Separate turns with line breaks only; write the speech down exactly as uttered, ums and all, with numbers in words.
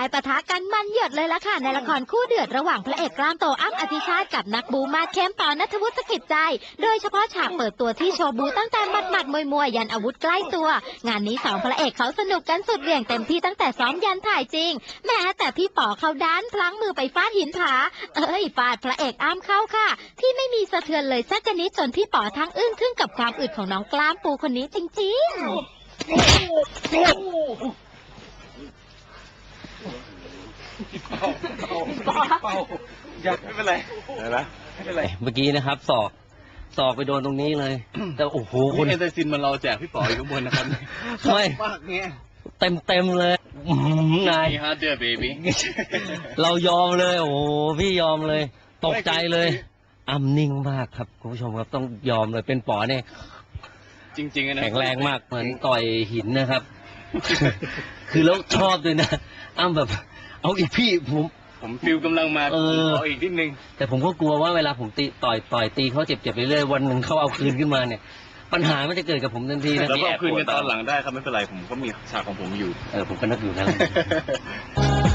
ปะทะกันมันเหยิดเลยละค่ะในละครคู่เดือดระหว่างพระเอกกล้ามโตอ้ำอธิชาติกับนักบูมาเข้มปอณัฐวุฒิสกิจใจ โดยเฉพาะฉากเปิดตัวที่โชว์บูตั้งแต่หมัดหมัดมวยมวยยันอาวุธใกล้ตัว งานนี้สองพระเอกเขาสนุกกันสุดเหวี่ยงเต็มที่ตั้งแต่ซ้อมยันถ่ายจริงแม้แต่พี่ป๋อเขาดันพลั้งมือไปฟาดหินผาเอ้ยฟาดพระเอกอ้ำเข้าค่ะที่ไม่มีสะเทือนเลยสักนิดจนพี่ป๋อทั้งอึ้งทึ่งกับความอึดของน้องกล้ามปูคนนี้จริงๆ
เปล่าเปล่าอย่าไม่เป็นไรนะไม่เป็นไร
เมื่อกี้นะครับศอกศอกไปโดนตรงนี้เลยแต่โอ้โห
คุณเอนเตอร์ซินมันเราแจกพี่ป๋ออยู่ข้างบนนะครับ
ไม่
มากเงี้ย
เต็มเต็มเลยนาย
ฮาร์ดเดอร์เบบี้
เรายอมเลยโอ้พี่ยอมเลยตกใจเลยอ้ำนิ่งมากครับคุณผู้ชมครับต้องยอมเลยเป็นป๋อเนี่ย
จริงๆนะ
แข็งแรงมากเหมือนต่อยหินนะครับคือแล้วชอบด้วยนะอ้ำแบบเอาอีกพี่ผม
ผมฟิลกำลังมาเออเอาอีกนิดนึง
แต่ผมก็กลัวว่าเวลาผมตีต่อยต่อยตีเขาเจ็บๆไปเรื่อยวันหนึ่งเขาเอาคืนขึ้นมาเนี่ยปัญหามันจะเกิดกับผมทันที
แล้วก็เอาคืนกันตอนหลังได้ครับไม่เป็นไรผมก็มีฉากของผมอยู่
เออผมก็นึกอยู่นั่นแหละ